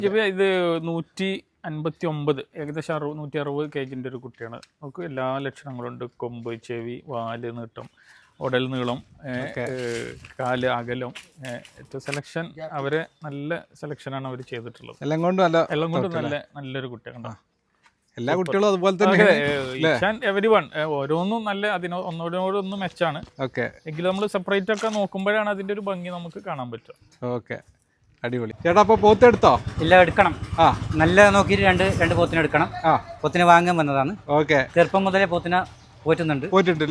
ഇത് 159 ഏകദേശം 160 kg ഒരു കുട്ടിയാണ്. നമുക്ക് എല്ലാ ലക്ഷണങ്ങളുണ്ട്. കൊമ്പ്, ചെവി, വാല് നീട്ടം, ഉടൽ നീളം, കാല് അകലം. സെലക്ഷൻ അവരെ നല്ല സെലക്ഷനാണ് അവർ ചെയ്തിട്ടുള്ളത്. എല്ലാം കൊണ്ടും നല്ലൊരു കുട്ടിയാണ്. എല്ലാ കുട്ടികളും അതുപോലെ തന്നെ എവരിവൺ ഓരോന്നും നല്ല ഒന്നോടൊന്നും മെച്ചാണ്. എങ്കിലും നമ്മൾ സെപ്പറേറ്റ് ഒക്കെ നോക്കുമ്പോഴാണ് അതിന്റെ ഒരു ഭംഗി നമുക്ക് കാണാൻ പറ്റുക. ഓക്കെ, അടിപൊളി. ചേട്ടാ അപ്പൊ പോത്ത് എടുത്തോ? ഇല്ല, എടുക്കണം. നല്ല നോക്കിയിട്ട് രണ്ട് പോത്തിനെ എടുക്കണം. പോത്തിനെ വാങ്ങാൻ വന്നതാണ്. ഓക്കെ, ചെറുപ്പം മുതലേ പോത്തിനെ പോറ്റുന്നുണ്ട്.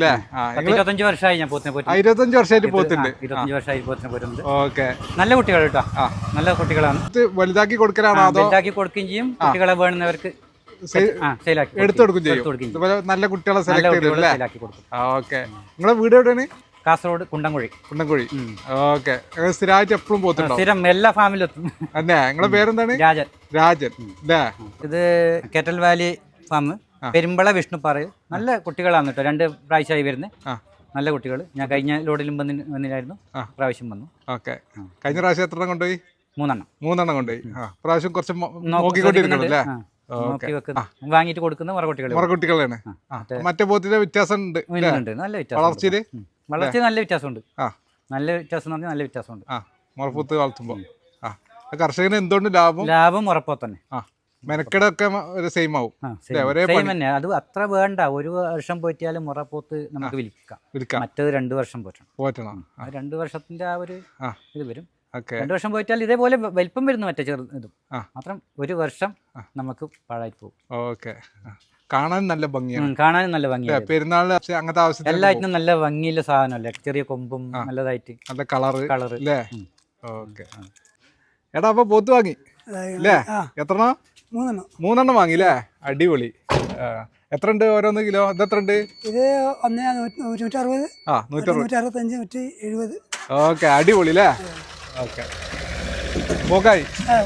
25 വർഷമായി ഞാൻ പോത്തിനെ പോറ്റുന്നു. 25 വർഷമായിട്ട് പോത്തുണ്ട്. 25 വർഷമായി പോത്തിനെ പോറ്റുന്നുണ്ട്. ഓക്കെ, നല്ല കുട്ടികൾ കേട്ടോ, നല്ല കുട്ടികളാണ്. വലുതാക്കി കൊടുക്കലാണോ? വലുതാക്കി കൊടുക്കുകയും ചെയ്യും. കുട്ടികളെ വേണമെന്നവർക്ക് എടുത്തു കൊടുക്കും ചെയ്യും. നല്ല കുട്ടികളെ സെലക്ട് കൊടുക്കും. ഓക്കെ, നിങ്ങളെ വീട് എവിടെയാണ്? കാസർഗോഡ് കുണ്ടംകുഴി. ഓക്കെ, സ്ഥിരമായിട്ട് എപ്പോഴും പോത്തുണ്ടോ? സ്ഥിരം എല്ലാ ഫാമിലും എത്തും. അല്ലേ? നിങ്ങളെ പേരെന്താണ്? രാജൻ. ഇത് cattle valley farm, Perumbala Vishnuppara. നല്ല കുട്ടികളാണ് കേട്ടോ. 2 പ്രാവശ്യമായി വരുന്നത്. നല്ല കുട്ടികൾ. ഞാൻ കഴിഞ്ഞ ലോഡിലും വന്നില്ലായിരുന്നു, പ്രാവശ്യം വന്നു. ഓക്കെ, കഴിഞ്ഞ പ്രാവശ്യം എത്ര കൊണ്ടുപോയി? 3 കൊണ്ടുപോയി. പ്രാവശ്യം കുറച്ച് നോക്കിക്കൊണ്ടിരിക്കണല്ലേ? വാങ്ങിട്ട് കൊടുക്കുന്ന മറക്കുട്ടികളാണ്. മറ്റേ പോത്തിന്റെ വ്യത്യാസം ഉണ്ട്. നല്ല വ്യത്യാസം. വളർച്ച നല്ല വ്യത്യാസമുണ്ട്. നല്ല വ്യത്യാസം നല്ല വ്യത്യാസമുണ്ട്. മുറപ്പൂത്ത് വളർത്തുമ്പോ കർഷകന് എന്തുകൊണ്ട് ലാഭം ഉറപ്പോ തന്നെ. മെനക്കെടൊക്കെ സെയിം ആവും. അത് അത്ര വേണ്ട. 1 വർഷം പോറ്റിയാലും മുറപ്പോത്ത് നമുക്ക് വിൽക്കാം. മറ്റേത് 2 വർഷം പോറ്റണം. 2 വർഷത്തിന്റെ ആ ഒരു ഇത് വരും. 2 വർഷം പോയിട്ടാൽ ഇതേപോലെ വലിപ്പം വരുന്നു. മറ്റേ ഇതും മാത്രം 1 വർഷം നമുക്ക് പാഴായി പോകും. ഓക്കെ, കാണാൻ നല്ല ഭംഗിയാണ്. പെരുന്നാളിന് അങ്ങനത്തെ ആവശ്യം എല്ലാറ്റിനും നല്ല ഭംഗിയുള്ള സാധനമല്ലേ. ചെറിയ കൊമ്പും നല്ലതായിട്ട് നല്ല കളറ് അല്ലേ? ഓക്കെ. എടാ അപ്പൊ പോത്ത് വാങ്ങി അല്ലേ? എത്രണ്ണം? 3 വാങ്ങില്ലേ? അടിപൊളി. എത്ര ഉണ്ട് ഓരോന്ന് കിലോ? ഇത് എത്ര ഉണ്ട്? ഇത് 160, 165, 170. ഓക്കെ, അടിപൊളി അല്ലേ? ഓക്കെ, പോക്കായി.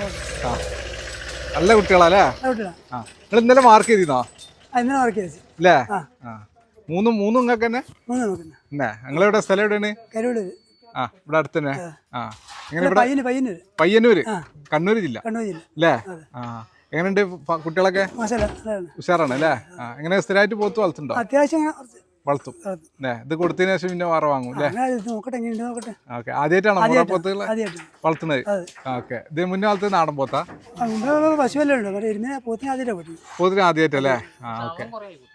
നല്ല കുട്ടികളല്ലേ? നിങ്ങൾ ഇന്നലെ മാർക്ക് ചെയ്തിരുന്നോ? അല്ലേ? മൂന്നും നിങ്ങൾക്ക് തന്നെ? നിങ്ങളെവിടെ സ്ഥലം എവിടെയാണ്? ഇവിടെ അടുത്ത് തന്നെ. പയ്യന്നൂര്, കണ്ണൂർ ജില്ല അല്ലേ? എങ്ങനെയുണ്ട് കുട്ടികളൊക്കെ? ഉഷാറാണ് അല്ലേ? എങ്ങനെ സ്ഥിരമായിട്ട് പോത്ത് വളർത്തുണ്ടോ? വളർത്തും. ഇത് കൊടുത്തതിന് ശേഷം പിന്നെ വേറെ വാങ്ങും അല്ലേ? ഓക്കെ, ആദ്യമായിട്ടാണോ പോത്തുകൾ വളർത്തുന്നത്? ഓക്കെ, ഇത് മുന്നേ വളർത്തുന്ന നാടൻ പോത്താ? പോത്തിന് ആദ്യമായിട്ടല്ലേ? ഓക്കെ.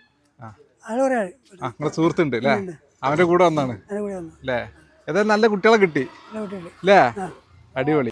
നിങ്ങളെ സുഹൃത്തുണ്ട് അല്ലേ? അവന്റെ കൂടെ വന്നാണ് അല്ലേ? ഏതായാലും നല്ല കുട്ടികളെ കിട്ടി അല്ലേ? അടിപൊളി.